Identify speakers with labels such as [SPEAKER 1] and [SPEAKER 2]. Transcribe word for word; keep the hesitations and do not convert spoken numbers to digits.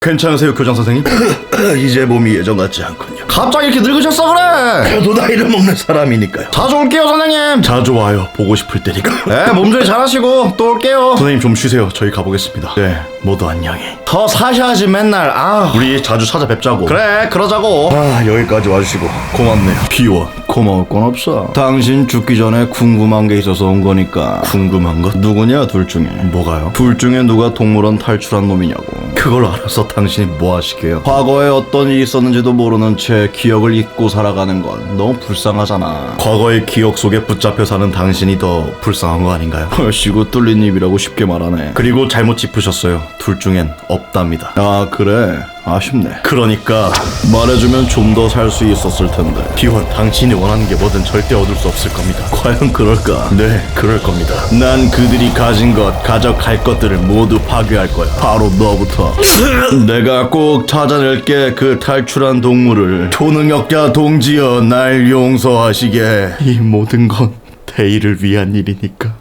[SPEAKER 1] 괜찮으세요, 교장 선생님?
[SPEAKER 2] 이제 몸이 예전 같지 않군요.
[SPEAKER 1] 갑자기 이렇게 늙으셨어 그래?
[SPEAKER 2] 저도 나이를 먹는 사람이니까요.
[SPEAKER 1] 자주 올게요, 선생님.
[SPEAKER 2] 자주 와요. 보고 싶을 때니까.
[SPEAKER 1] 네, 몸조리 잘하시고 또 올게요.
[SPEAKER 2] 선생님 좀 쉬세요. 저희 가보겠습니다. 네, 모두 안녕히.
[SPEAKER 1] 더 사셔야지 맨날. 아,
[SPEAKER 2] 우리 자주 찾아뵙자고.
[SPEAKER 1] 그래, 그러자고.
[SPEAKER 2] 아, 여기까지 와주시고 고맙네요. 비원.
[SPEAKER 1] 고마울 건 없어. 당신 죽기 전에 궁금한 게 있어서 온 거니까.
[SPEAKER 2] 궁금한 것?
[SPEAKER 1] 누구냐, 둘 중에?
[SPEAKER 2] 뭐가요?
[SPEAKER 1] 둘 중에 누가 동물원 탈출한 놈이냐고.
[SPEAKER 2] 그걸 알아서 당신이 뭐 하시게요?
[SPEAKER 1] 과거에 어떤 일이 있었는지도 모르는 채 기억을 잊고 살아가는 건 너무 불쌍하잖아.
[SPEAKER 2] 과거의 기억 속에 붙잡혀 사는 당신이 더 불쌍한 거 아닌가요?
[SPEAKER 1] 헐씨구 뚫린 입이라고 쉽게 말하네.
[SPEAKER 2] 그리고 잘못 짚으셨어요. 둘 중엔 없답니다.
[SPEAKER 1] 아, 그래? 아쉽네.
[SPEAKER 2] 그러니까
[SPEAKER 1] 말해주면 좀 더 살 수 있었을 텐데.
[SPEAKER 2] 비원, 당신이 원하는 게 뭐든 절대 얻을 수 없을 겁니다.
[SPEAKER 1] 과연 그럴까?
[SPEAKER 2] 네, 그럴 겁니다.
[SPEAKER 1] 난 그들이 가진 것, 가져갈 것들을 모두 파괴할 거야. 바로 너부터. 내가 꼭 찾아낼게, 그 탈출한 동물을. 초능력자 동지여, 날 용서하시게.
[SPEAKER 2] 이 모든 건 대의를 위한 일이니까.